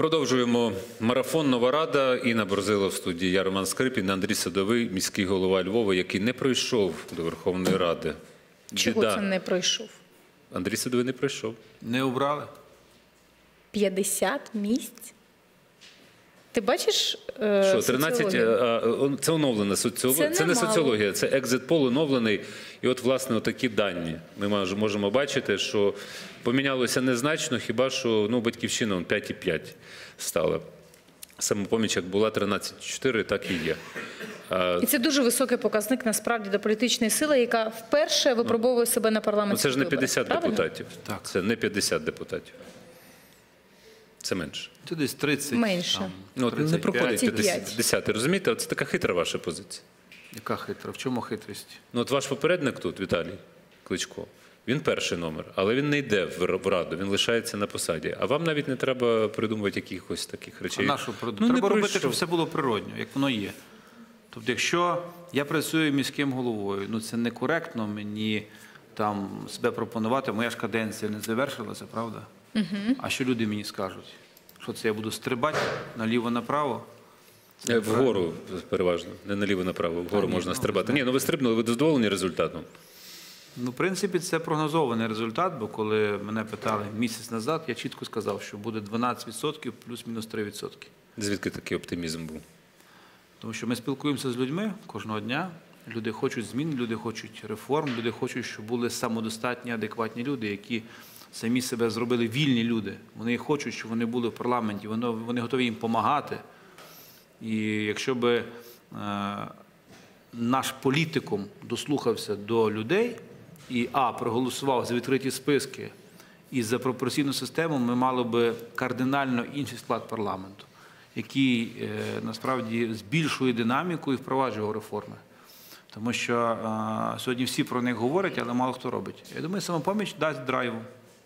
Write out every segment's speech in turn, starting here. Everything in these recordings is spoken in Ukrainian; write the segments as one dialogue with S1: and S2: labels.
S1: Продовжуємо марафон «Нова Рада». Інна Борзило в студії, я Роман Скрипін, Андрій Садовий, міський голова Львова, який не пройшов до Верховної Ради.
S2: Чого це не пройшов?
S1: Андрій Садовий не пройшов.
S3: Не обрали.
S2: 50 місць? Ти бачиш
S1: Що, 13? Це оновлена соціологія. Це не соціологія, це екзит-пол оновлений. І от, власне, такі дані. Ми можемо бачити, що помінялося незначно, хіба що Батьківщина 5,5 стала. Самопоміч, як була 13,4, так і є.
S2: І це дуже високий показник, насправді, до політичної сили, яка вперше випробовує себе на парламентських виборах.
S1: Це ж не 50 депутатів.
S3: Так.
S1: Це не 50 депутатів. Це менше.
S3: Це десь 30.
S2: Менше.
S1: Не проходить
S2: 35.
S1: 50. Розумієте, це така хитра ваша позиція.
S3: Яка хитра? В чому хитрість?
S1: От ваш попередник тут, Віталій Кличко, він перший номер, але він не йде в Раду, він лишається на посаді. А вам навіть не треба придумувати якихось таких речей.
S3: А на що придумати? Треба робити, щоб все було природньо, як воно є. Тобто, якщо я працюю міським головою, це некоректно мені там себе пропонувати, моя ж каденція не завершилася, правда? А що люди мені скажуть? Що це я буду стрибати наліво-направо?
S1: Вгору переважно, не наліво-направо, вгору можна стрибати. Ні, ви стрибнули, ви задоволені результатом?
S3: В принципі, це прогнозований результат, бо коли мене питали місяць назад, я чітко сказав, що буде 12% плюс-мінус 3%.
S1: Звідки такий оптимізм був?
S3: Тому що ми спілкуємося з людьми кожного дня. Люди хочуть змін, люди хочуть реформ, люди хочуть, щоб були самодостатні, адекватні люди, які самі себе зробили вільні люди. Вони хочуть, щоб вони були в парламенті, вони готові їм допомагати. І якщо б наш політикум дослухався до людей і проголосував за відкриті списки і за пропорційну систему, ми мали б кардинально інший склад парламенту, який насправді збільшує динаміку і впроваджує реформи. Тому що сьогодні всі про них говорять, але мало хто робить. Я думаю, Самопоміч дасть драйву.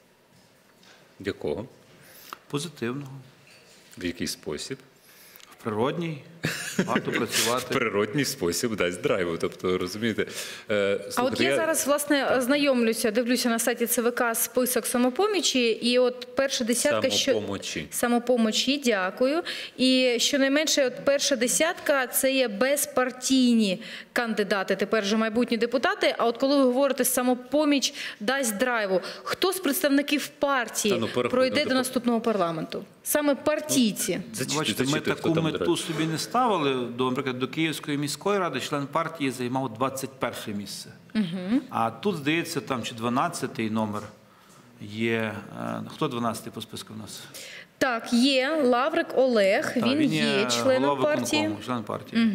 S1: Якого?
S3: Позитивного.
S1: В який спосіб?
S3: В природній. Варто працювати.
S1: В природній спосіб дасть драйву. Тобто, розумієте...
S2: А от я зараз, власне, знайомлюся, дивлюся на сайті ЦВК список Самопомічі, і от перша десятка... Самопомочі, дякую. І щонайменше от перша десятка – це є безпартійні кандидати, тепер вже майбутні депутати. А от коли ви говорите «Самопоміч дасть драйву», хто з представників партії пройде до наступного парламенту? Саме партійці.
S3: Бачите, ми таку мету собі не ставили. Наприклад, до Київської міської ради член партії займав 21 місце. А тут, здається, там чи 12-й номер є. Хто 12-й по списку в нас?
S2: Так, є Лаврик Олег, він є членом партії.
S3: Член партії.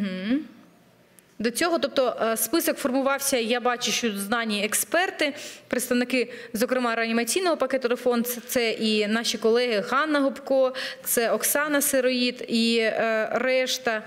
S2: До цього, тобто, список формувався, я бачу, що знані експерти, представники, зокрема, реанімаційного пакету реформ, це і наші колеги Ганна Гопко, це Оксана Сироїд і решта.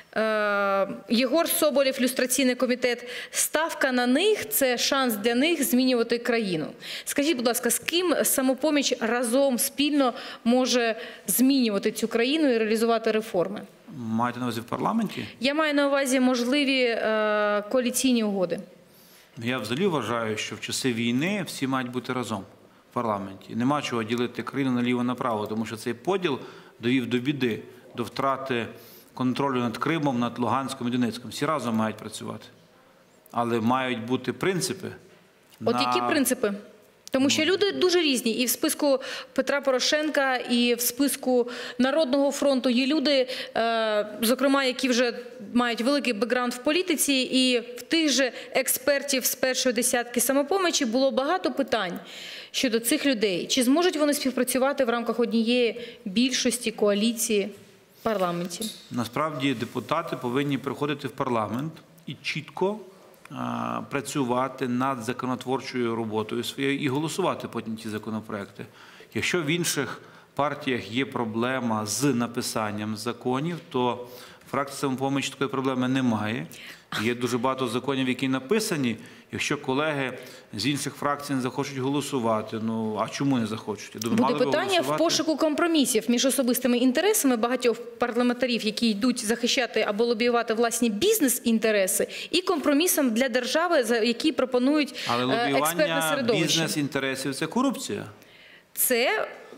S2: Єгор Соболєв, люстраційний комітет. Ставка на них – це шанс для них змінювати країну. Скажіть, будь ласка, з ким Самопоміч разом, спільно може змінювати цю країну і реалізувати реформи?
S3: Маєте на увазі в парламенті?
S2: Я маю на увазі можливі коаліційні угоди.
S3: Я взагалі вважаю, що в часи війни всі мають бути разом в парламенті. Нема чого ділити країну наліво-направо, тому що цей поділ довів до біди, до втрати контролю над Кримом, над Луганськом і Донецьком. Всі разом мають працювати. Але мають бути принципи.
S2: От які принципи? Тому що люди дуже різні. І в списку Петра Порошенка, і в списку Народного фронту є люди, зокрема, які вже мають великий бекграунд в політиці, і в тих же експертів з першої десятки Самопомочі було багато питань щодо цих людей. Чи зможуть вони співпрацювати в рамках однієї більшості коаліції в парламенті?
S3: Насправді депутати повинні приходити в парламент і чітко працювати над законотворчою роботою своєю і голосувати потім ці законопроекти. Якщо в інших партіях є проблема з написанням законів, то фракція «Самопоміч» такої проблеми немає. Є дуже багато законів, які написані. Якщо колеги з інших фракцій не захочуть голосувати, а чому не захочуть? Я думаю,
S2: буде питання в пошуку компромісів між особистими інтересами багатьох парламентарів, які йдуть захищати або лобіювати власні бізнес-інтереси, і компромісом для держави, які пропонують експертне середовище.
S3: Але лобіювання бізнес-інтересів – це корупція.
S2: Це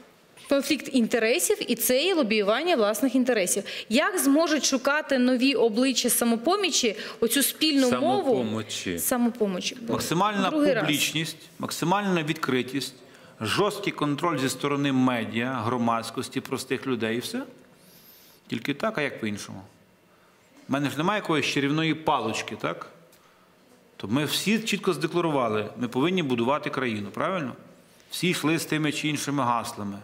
S2: конфлікт інтересів і це є лобіювання власних інтересів. Як зможуть шукати нові обличчя «Самопомічі» оцю спільну мову? Самопомочі.
S3: Максимальна
S2: Другий раз.
S3: публічність, максимальна відкритість, жорсткий контроль зі сторони медіа, громадськості, простих людей і все. Тільки так, а як по-іншому? У мене ж немає якоїсь чарівної палочки, так? То ми всі чітко здекларували, ми повинні будувати країну, правильно? Всі йшли з тими чи іншими гаслами.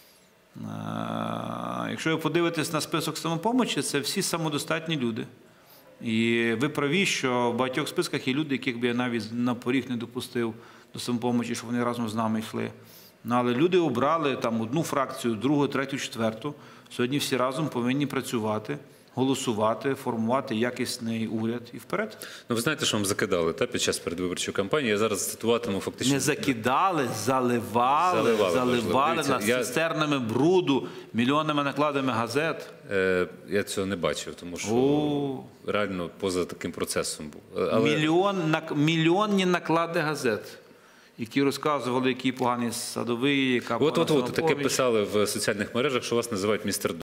S3: Якщо ви подивитесь на список «Самопомочі», це всі самодостатні люди. І ви праві, що в багатьох списках є люди, яких би я навіть на поріг не допустив до «Самопомочі», щоб вони разом з нами йшли. Але люди обрали там одну фракцію, другу, третю, четверту. Сьогодні всі разом повинні працювати, голосувати, формувати якісний уряд і вперед.
S1: Ну, ви знаєте, що вам закидали під час передвиборчої кампанії? Я зараз цитуватиму фактично.
S3: Не закидали, заливали нас цистернами бруду, мільйонними накладами газет.
S1: Я цього не бачив, тому що реально поза таким процесом був.
S3: Мільйонні наклади газет, які розказували, який поганий Садовий, яка погана Самопоміч.
S1: Таке писали в соціальних мережах, що вас називають містер